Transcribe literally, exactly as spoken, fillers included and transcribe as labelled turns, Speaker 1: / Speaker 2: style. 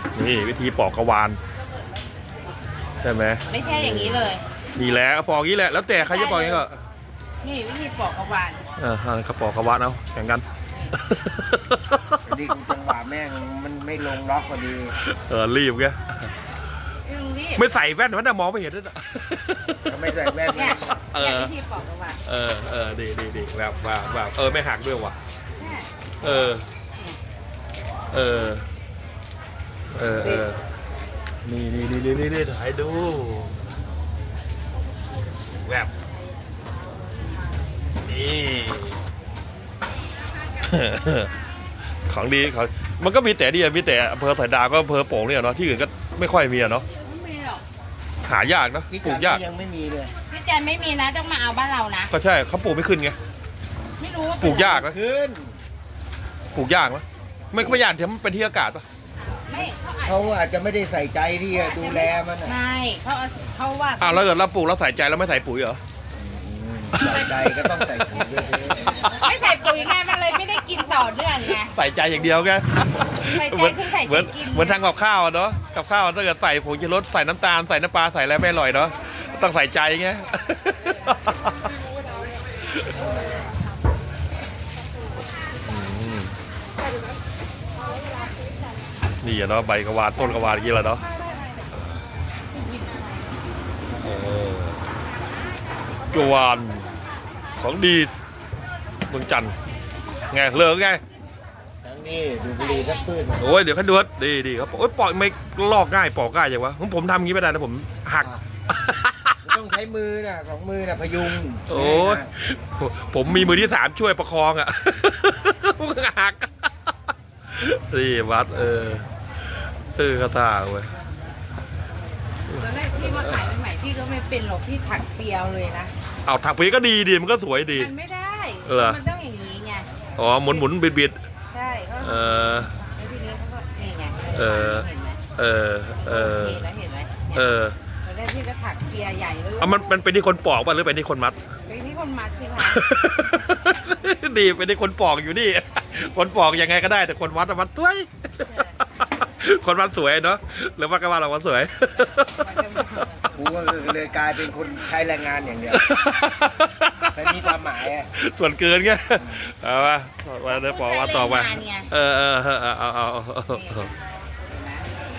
Speaker 1: นี่วิธีปอกกระวานใช่ไหม
Speaker 2: ไม่ใช่อย่างนี้เลย
Speaker 1: นี่แหละปอกอย่างนี้แหละแล้วแต่ใครจะปอกอย่างนี้ก็
Speaker 2: นี่วิธีปอกกระวาน
Speaker 1: เออเขาปอกกระวานเอาแข่งกัน
Speaker 3: ดีกูจังหวะแม่งมันไม่ลงล็อกพอดี
Speaker 1: เออรีบแกไม่ใส่แว่นมันจะมองไม่เห็นด้วยนะ
Speaker 3: ไม่ใส่แว่น
Speaker 2: เนี่ยวิธีปอกกระวาน
Speaker 1: เออเออดีดีดีแบบแบบแบบเออไม่หักด้วยว่ะเออเออเออเออนี่นี่นี่นี่นี่ถ่ายดูแบบนี่ของดีเขามันก็มีแต่ดีมีแต่อำเภอสายดาวก็อำเภอโป่งเนี่ยเนาะที่อื่นก็ไม่ค่อยมีอะเนาะหายากนะปลูกยาก
Speaker 3: ยังไม่มีเลย
Speaker 2: พี่แจนไม่มีนะต้องมาเอาบ้านเรานะ
Speaker 1: ก็ใช่เขาปลูกไม่ขึ้นไง
Speaker 2: ไม่รู้
Speaker 1: ปลูกยากนะ
Speaker 3: ขึ้น
Speaker 1: ปลูกยากไหมไม่ไม่ยากเทียมมันเป็นที่อากาศปะ
Speaker 3: ไม่เขาอาจจะไม่ได้ใส่ใจที่ดูแลมัน
Speaker 2: ไม่เขาเขาว่า
Speaker 1: อ้าวแล้วเกิดเราปลูกเราใส่ใจแล้วไม่ใส่ปุ๋ยเหรอ
Speaker 3: ใส่ใจก็ต้องใส่ปุ๋ยด้วย
Speaker 2: ไม่ใส่ปุ๋ยไงมันเลยไม่ได้กินต่อเนื่องไง
Speaker 1: ใส่ใจอย่างเดียวแก
Speaker 2: ใส่ใจคือใส่ใจกิน
Speaker 1: เหมือนทางกับข้าวเนาะกับข้าวถ้าเกิดใส่ผงชูรสใส่น้ำตาลใส่น้ำปลาใส่อะไรไม่อร่อยเนาะต้องใส่ใจไงนี่เนาะใบกระวานต้นกระวานกี่แล้วเนาะกระวานของดีเมืองจันทร์ไงเลิกไง
Speaker 3: ทั้งนี้ดูบุหรี่สักปืน
Speaker 1: โอ้ยเดี๋ยวเขาดูดดีดีครับโอ้ยปอกไม่ลอกง่ายปอกง่ายอย่างวะผมผมทำงี้ไม่ได้นะผมหัก
Speaker 3: ต้องใช้มือน่ะสองมือน่ะพยุง
Speaker 1: โอ้ยผมมีมือที่สามช่วยประคองอ่ะมันหักนี่วัดเออเออกระตาเว้ย
Speaker 2: ตอนแรกพี่มาขายใหม่พี่ก็ไม่เป็นหรอกพี่ถักเปียวเลยนะ
Speaker 1: เอาถักปีก็ดีดีมันก็สวยดี
Speaker 2: มันไม่ได้มันต้องอย่างนี้ไง
Speaker 1: อ๋อหมุนหมุนบิดบิด
Speaker 2: ใช่
Speaker 1: เออ
Speaker 2: แล้วทีนี้เขาก็นี่ไง
Speaker 1: เออเออเออ
Speaker 2: เห็นไหม
Speaker 1: เออ
Speaker 2: ตอนแรกพี่ก็ถักเปียใหญ่เลย
Speaker 1: อ่ะมันมันเป็นที่คนปอกป่ะหรือเป็นที่คนมัด
Speaker 2: เป็นที่คนมัดสิคะ
Speaker 1: ดีเป็นที่คนปอกอยู่นี่คนปอกยังไงก็ได้แต่คนมัดมัดตัวคนมัดสวยเนาะหรือว่าก็ว่าเรามัดสวย
Speaker 3: กูก็เลยกลายเป็นคนใช้แรงงานอย่างเดียวแต่มีความหมายอ่ะ
Speaker 1: ส่วนเกินไงเอาไปมาเดี๋ยวปอกว่าต่อไปเออเออเอาเอาเอา